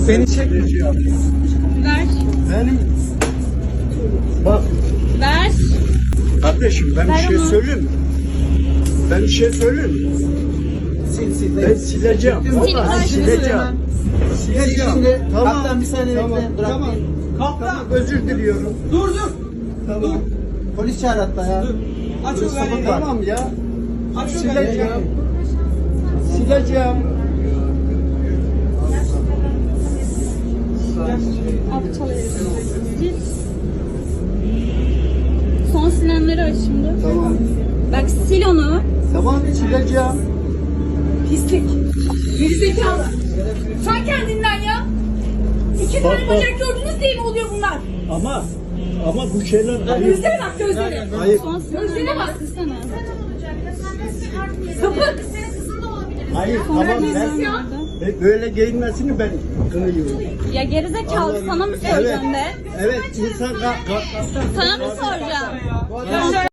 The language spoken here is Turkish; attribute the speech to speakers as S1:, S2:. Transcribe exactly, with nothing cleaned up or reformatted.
S1: Beni çek.
S2: Ver.
S3: Benim bak
S2: Ver.
S3: kardeşim ben
S2: Ver
S3: bir şey
S2: onu.
S3: söyleyeyim mi? Ben bir şey söyleyeyim mi?
S1: Sil sil.
S3: Ben sileceğim.
S2: Sil,
S3: Vallahi
S2: ver.
S3: sileceğim. Sileceğim.
S1: Şimdi
S3: Tamam.
S1: kaptan bir saniye
S3: Tamam.
S1: bekle. Bırak.
S3: Tamam.
S1: Kaptan.
S3: Tamam. Özür diliyorum.
S1: Dur dur.
S3: Tamam.
S1: Polis çağır hatta ya.
S4: Aç o galeri.
S3: Tamam ya.
S4: Aç o galeri.
S3: Sileceğim. Sileceğim.
S2: Abi çalıyoruz. Sil. Son silenleri aç şimdi.
S3: Tamam.
S2: Bak sil onu.
S3: Tamam sileceğim.
S5: Pislik. Gerizekalı. Sen kendinden ya. İki
S3: Bak,
S5: tane
S3: bak.
S5: bacak gördünüz diye mi oluyor bunlar?
S3: Ama ama bu şeyler ayıp.
S5: Gözlere bak gözlere.
S3: Ayıp.
S2: Son silenleri
S5: Gözlere bak.
S2: Kırsana.
S5: Sapık.
S3: Hayır tamam ben e, böyle giyinmesini ben kınıyorum.
S2: Ya gerizekalı sana mı soracağım be?
S3: Evet insan ka- ka-
S2: Sana mı soracağım?